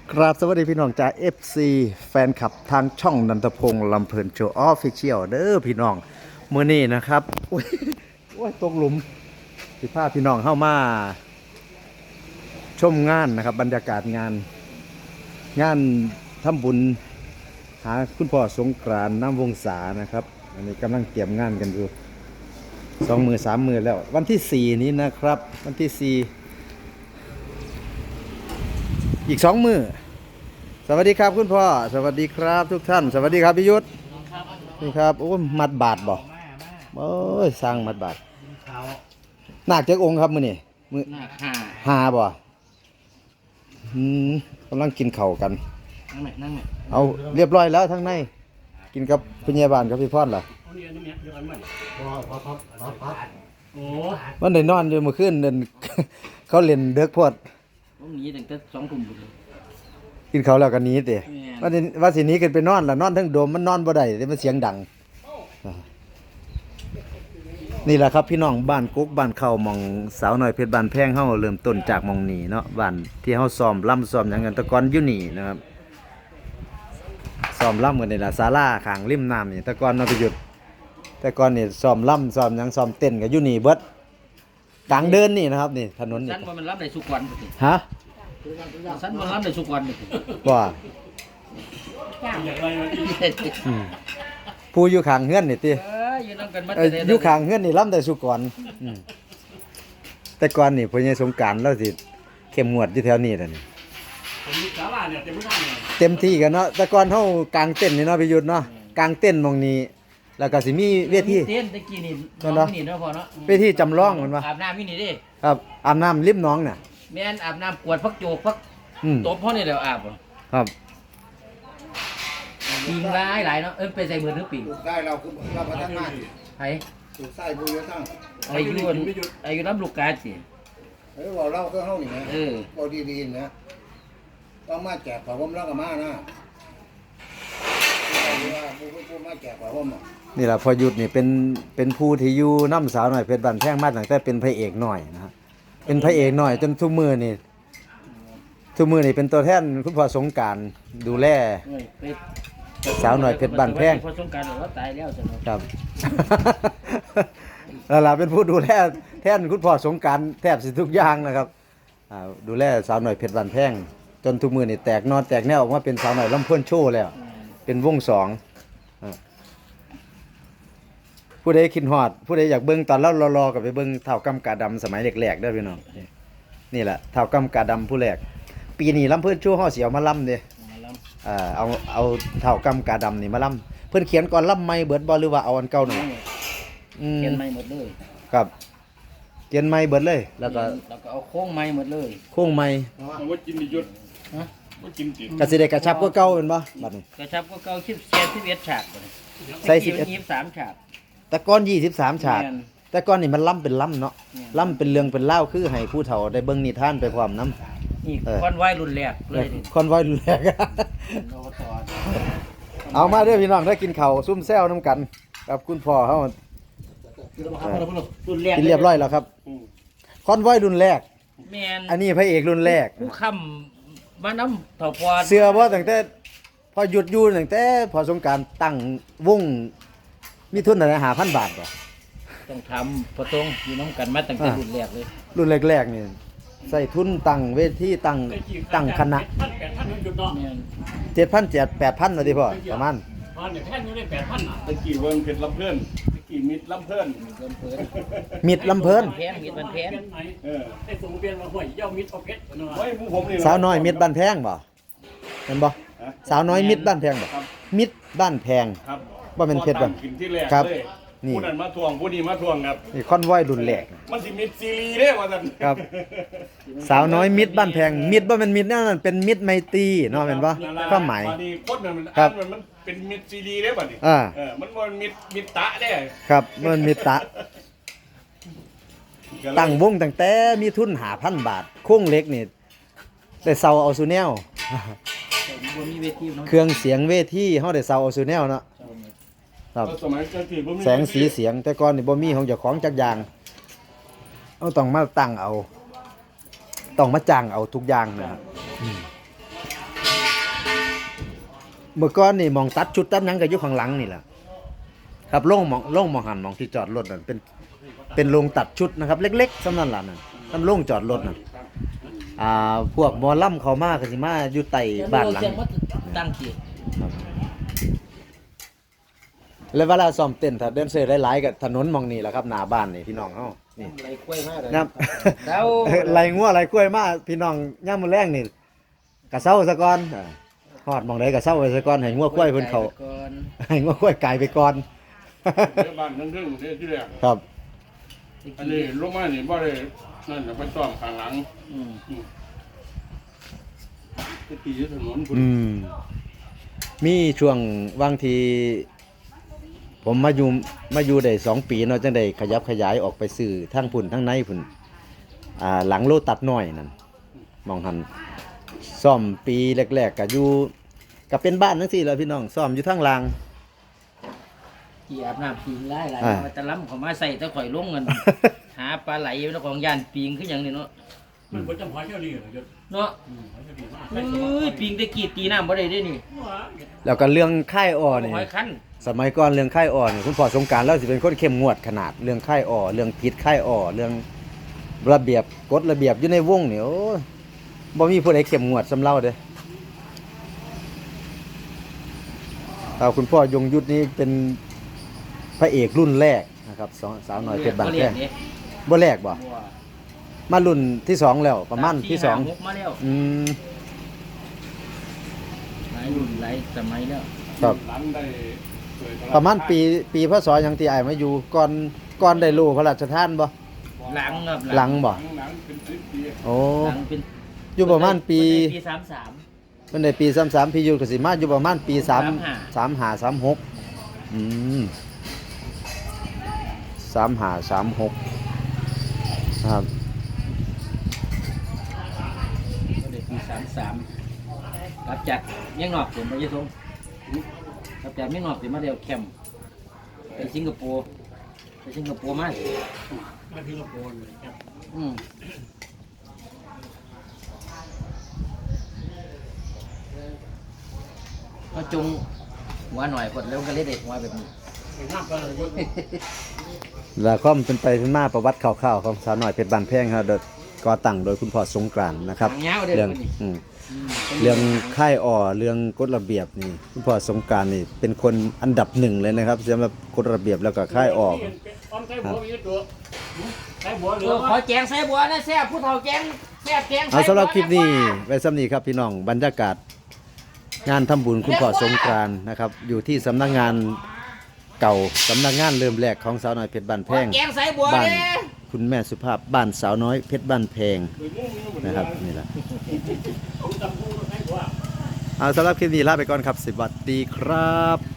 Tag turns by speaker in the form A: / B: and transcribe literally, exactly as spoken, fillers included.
A: กราบสวัสดีพี่น้องจาก เอฟ ซี แฟนคลับทางช่องนันทพงษ์ลำเพลินโชว์ออฟฟิเชียลเด้อพี่น้องเมื่อนี้นะครับโอ้ยโอ้ยตกหลุมสิพาพี่น้องเข้ามาชมงานนะครับบรรยากาศงานงานทำบุญหาคุณพ่อสงกรานต์น้ำวงศานะครับอันนี้กำลังเตรียมงานกันอยู่สองมือสามมือแล้ว วันที่สี่นี้นะครับวันที่สี่อีกสองมือสวัสดีครับคุณพ่อสวัสดีครับทุกท่านสวัสดีครับพี่ยุทธนี่ครับโอ้มัดบาทบ่โอ้ยสร้างมัดบาทหนักเจ้าองค์ครับมือนี่มือหาบ่อืมกำลังกินเข่ากันนั่งไหมนั่งไหมเอาเรียบร้อยแล้วทั้งในกินกับพยาบาลกับพี่พอดล่ะวันไหนนอนอยู่เมื่อคืนเดินเขาเล่นเด็กพอด
B: ผมหนีตั้งแต่สองทุ่ม
A: กินเขาแล้วก็หนีเตะว่าสิว่าสิหนี้กันไปนอนล่ะนอนทั้งโดมมันนอนบ่ได้เดี๋ยวมันเสียงดังนี่แหละครับพี่น้องบ้านกุ๊กบ้านเข้าหม่องสาวน้อยเพชรบ้านแพงเฮาเริ่มต้นจากหม่องนี้เนาะบ้านที่เฮาซ้อมล่ำซ้อมหยังกันแตะกอนอยู่นี่นะครับซ้อมล่ำกันนี่ล่ะศาลาข้างริมน้ำนี่แตะกอนเนาะไปหยุดแต่ก่อนนี่ซ้อมล่ำซ้อมหยังซ้อมเต้นก็อยู่นี่เบิดกลางเดินนี่นะครับนี่ถนนนี่
B: สันมันรับได้สุกวัน
A: ฮะ
B: สันมันรับได้สุกวัน
A: ว่าผู้อยู่ข้างเฮือนนี่ติอยู่ข้างเฮือนนี่ล่ำได้สุก่อนแต่ก่อนนี่พ่อใหญ่สงกรานต์เราสิเข้มงวดอยู่แถวนี้ล่ะนี่เต็มที่กันเนาะแต่ก่อนเฮากางเต้นนี่เนาะพี่ยุทธเนาะกางเต้นมองนี้แล้วก็สิมีเวที
B: เต้นตะกี้นี่น้องนี่เนาะพ่อเนาะ
A: เวทีจำลองมันว่า
B: อาบน้ำนี่นี่ดิ
A: ครับอาบน้ำริมหนองน่ะ
B: แม่นอาบน้ำกวดพักโจกพักตบพ่อนี่แล้วอาบ
A: ครับ
B: ปิงหลายหลายเนาะเอิ้นไปใส่มือถือปิง
C: ได้เราคือเราพัฒนา
B: ไผ
C: ถูกใส่บุญเยอะทั้ง
B: อายุอายุน้ำลูกกาสิ
C: เออบอกเราก็เฮานี่นะ
B: เออ
C: บ่ดีๆนะต้องมาแจกผ้าห่มแล้วก็มานะว่าผู้ผู้มาแจกผ้าห่ม
A: นี่แหละพอหยุดนี่เป็นเป็นผู้ที่อยู่น้ำสาวหน่อยเพชรบันแท่งมาตั้งแต่เป็นพระเอกหน่อยนะฮะเป็นพระเอกหน่อยจนทุกมือนี่ทุกมือนี่เป็นตัวแทนคุณพ่อสงกรานต์ดูแลสาวหน่อยเพชรบันแท่ง
B: พ่อสงกรานต์เราตายแล้วจ้ะ
A: ครับแล้วล่ะเป็นผู้ดูแลแทนคุณพ่อสงกรานต์แทบสิทุกอย่างนะครับดูแลสาวหน่อยเพชรบันแท่งจนทุกมือนี่แตกนอนแตกแนวออกมาเป็นสาวหน่อยลำเพิ่นโชว์แล้วเป็นวงสองผู้ใดคิดฮอดผู้ใดอยากเบิ่งตอนเรารอๆกับไปเบิ่งเท่ากำกาดำสมัยแรกๆเด้อพี่น้องนี่แหละเท่ากำกาดำผู้แรกปีนี้ลำเพิ่นโชว์เฮาสิเอามาลำเด้อ่าเอาเอาเท่ากำกาดำนี่มาลำเพิ่นเขียนก่อนลำใหม่เบิดบ่หรือว่าเอาอันเก่านั่น
B: อืมเขียนใหม่หมดเลย
A: ครับเขียนใหม่เบิดเลยแล้วก็
B: แล้วก็เอาโค้งใหม่หมดเลย
A: โค้งใหม่
C: ว่ากินดิยุทธฮะว่ากินติ
A: ก็สิได้กระชับกว่าเก่าแม่นบ่บัดนี้
B: กระชับกว่าเก่าสิบเจ็ด สิบเอ็ดฉาก
A: ใส่สิบเอ็ด
B: ยี่สิบสามฉาก
A: แต่ก่อนยี่สิบสามฉากแต่ก่อนนี่มันล่ำเป็นล่ำเนาะล่ำเป็นเรื่องเป็นเล่าคือให้ผู้เฒ่าได้เบิ่งนิทานไปพร้อมนำ
B: นี่คอนไวรุ่นแรกเลย
A: คอนไวรุ่นแรกเอามาเด้อพี่น้องได้กินข้าวซุ่มแซวน้ำกันกับคุณพ่อเฮา
B: รุ่นแรก
A: กินเรียบร้อยแล้วครับคอนไวรุ่นแรก
B: แม่น
A: อันนี้พระเอกรุ่นแรก
B: ผู้ค้ำมาน้ำเฒ่าพอ
A: เสื้อบ่ตั้งแต่พอหยุดอยู่ตั้งแต่พอสงกรานต์ตั้งวงมีทุนอะไรหาพันบาทป่ะ
B: ต้องทำพอตรงอยู่น้ำกันมาตั้งแต่รุ่นแรกเลย
A: รุ่นแรกๆนี่ใส่ทุนตั้งเวทีตั้งตั้งคณะเจ็ดพันเจ็ดแปดพันเลยดิพ่อประมาณ
C: ตอนเนี่ยแท่นอยู่ได้แปดพันอ่ะตะกี้เวิร์งเพชรลำเพิ่นตะกี้มิดลำเพิ่น
A: มิดลำเพิ่น
B: แพงมิดมันแพง
C: เออไอ้สมเปียนมาห่วยเย้ามิดเอาเพชร
A: เฮ้ยผมนี่สาวน้อยมิดบ้านแพงบ่เห็นบ่สาวน้อยมิดบ้านแพงบ่มิดบ้านแพงว่าเป็นเพชรบ่ครับ
C: นี่ผู้นั้นมาทวงผู้นี้มาทวงครับ
A: นี่คอนไวรุ่นแรก
C: มันสิมิดซีรีส์เด้ว่าซั่น
A: ครับสาวน้อยมิดบ้านแพงมิดบ่แม่นมิดนั่นเป็นมิดไมตรีเนาะแม่นบ่ความหมาย
C: บัดนี้คนนั้นมันอ่านมันเป็นมิดซีรีส์เด้บัดนี้เออมันบ่มิดมิดตะเด้
A: ครับมันมิดตะตั้งวงตั้งแต่มีทุนห้าพันบาทโครงเหล็กนี่ได้เซาเอาซูแนลเครื่องเสียงเวทีเฮาได้เซาเอาซูแนลเนาะครับแสงสีเสียงแต่ก่อนนี่บ่มีของเจ้าของจักอย่างเอาต้องมาตั้งเอาต้องมาจ้างเอาทุกอย่างนะครับเมื่อก่อนนี่หมองตัดชุดตัดหยังก็อยู่ข้างหลังนี่แหละครับโล่งหมองโล่งหมองหันหมองที่จอดรถนั่นเป็นเป็นโรงตัดชุดนะครับ เล็กๆสำนั่นล่ะนั่นสำโรงจอดรถนั่นอ่าพวกหมอลำเขามาก็สิมาอยู่ใต้บ้านหลัง
B: เสียงมันตั้งจี
A: แล้วเวลาซ้อมเต้นถ้าแดนเซอร์หลายๆก็ถนนหมองนี่แหละครับหน้าบ้านนี่พี่น้องเฮานี่
B: ไรกล้วยมากเลย
A: ครับ
B: แล้ว
A: ไหลงัวไหลกล้วยมาพี่น้องย่ามมื้อแรงนี่กะเซาซะก่อนอ่าฮอดหม่องใดกะเซาไว้ซะก่อนให้งัวกล้วยเพิ่นเข้า
B: ก่อน
A: ให้งัวกล้วยกลายไปก่อน
C: เดี๋ยวบ้านทั้งเรื่องเดี๋ยวที่แรก
A: ครับ
C: อันนี้ลงมานี่บ่ได้นั่นน่ะไปซ่อมข้างหลัง
B: อืม
C: ตะกี้อยู่ถนนพุ่น
A: อืมมีช่วงบางที ผมมาอยู่มาอยู่ได้สองปีเนาะจังได้ขยับขยายออกไปซื้อทั้งพุ่นทั้งในพุ่นอ่าหลังโลตัดน้อยนั่นมองหันซ่อมปีแรกๆก็อยู่ก็เป็นบ้านจังซี่แหล้วพี่น้องซ่อมอยู่ทางล่าง
B: ที่อาบน้ำปิงไล่ไหล
A: อ่า
B: มาตะล้ำเขามาใส่ตะข่อยลงเงิน หาปลาไหลแล้วของยานปิงคืออย่างนี้เนาะ
C: มันบ่จำหอยเท่านี้เหรอ
B: เนาะเอ้ยปิงได้กรีดตีน้ำบ่ได้เด้นี่
A: แล้วก็เรื่องค่ายอ่อนี่
B: หอยคัน
A: สมัยก่อนเรื่องค่ายอ่อนี่คุณพ่อสงกรานต์แล้วสิเป็นคนเข้มงวดขนาดเรื่องค่ายอ่อเรื่องผิดค่ายอ่อเรื่องระเบียบกฎระเบียบอยู่ในวงนี่โอ้ยบ่มีผู้ใดเข้มงวดสำเล่าเด้อเอาคุณพ่อยงยุทธนี่เป็นพระเอกรุ่นแรกนะครับสองสาวน้อยเพชรบางแพงบ่แรกบ่มารุ่นที่สองแล้วประมาณที่สอง
B: หกมาแล้ว
A: อืม
B: หลายรุ่นหลายสมัยแล้ว
A: ครับ
C: หลังได้เผยพ
A: ประมาณปีปีพศหยังที่อ้ายมาอยู่ก่อนก่อนได้รู้พระราชทานบ่
B: หลังครับ
A: หลังบ่
C: หลังหลังเป็นสิบปี
A: โอ้
B: หลังเป็น
A: อยู่ประมาณปี
B: ปีสามสาม
A: มันได้ปีสามสามพี่อยู่ก็สิมาอยู่ประมาณปีสาม
B: สามห้า
A: สามห้าสามหกอืมสามห้าสามหกครับ
B: ปีสามสามกลับจากเมียงนอกผมไปยี่ทงกลับจากเมียงนอกผมมาเดียวแคมป์ไปสิงคโปร์ไปสิงคโปร์มา
C: มาสิงคโปร์เลยครับ
B: อืมก็จงหัวหน่อยกดแล้วก็เล่นเด็กหัวแบบนี้
C: น้ำปลาเลย
A: แล้วก็เป็นไปเป็นมาประวัติคร่าวๆของสาวน้อยเพชรบานแพงครับโดยก่อตั้งโดยคุณพ่อสงกรานต์นะครับ
B: หางยาวเด้อ
A: เรื่อง
B: คนนี้
A: อืมเรื่องค่ายอ่อเรื่องกฎระเบียบนี่คุณพ่อสงกรานต์นี่เป็นคนอันดับหนึ่งเลยนะครับสำหรับกฎระเบียบแล้วก็ค่ายอ่อ
C: ออมใส่บัวมีตัวใส่บัวเหลื
B: เอ
C: อ
B: อขอแจงใส่บัวนะแซ่บผู้เฒ่าแจงแซ่บแจง
A: เอาสำหรับคลิปนี้
B: ใส่บัวะ
A: ไว้สำนี้ครับพี่น้องบรรยากาศงานทำบุญคุณพ่อสงกรานต์นะครับ อยู่ที่สำนักงานเก่าสำนักงานเริ่มแรกของสาวน้อยเพชรบ้านแพ
B: ของ แจงใส่บัว
A: บ้าน
B: เด้
A: คุณแม่สุภาพบ้านสาวน้อยเพชรบ้านแพงนะครับนี่แหละเอาสำหรับคลิปนี้ลาไปก่อนครับสวัสดีครับ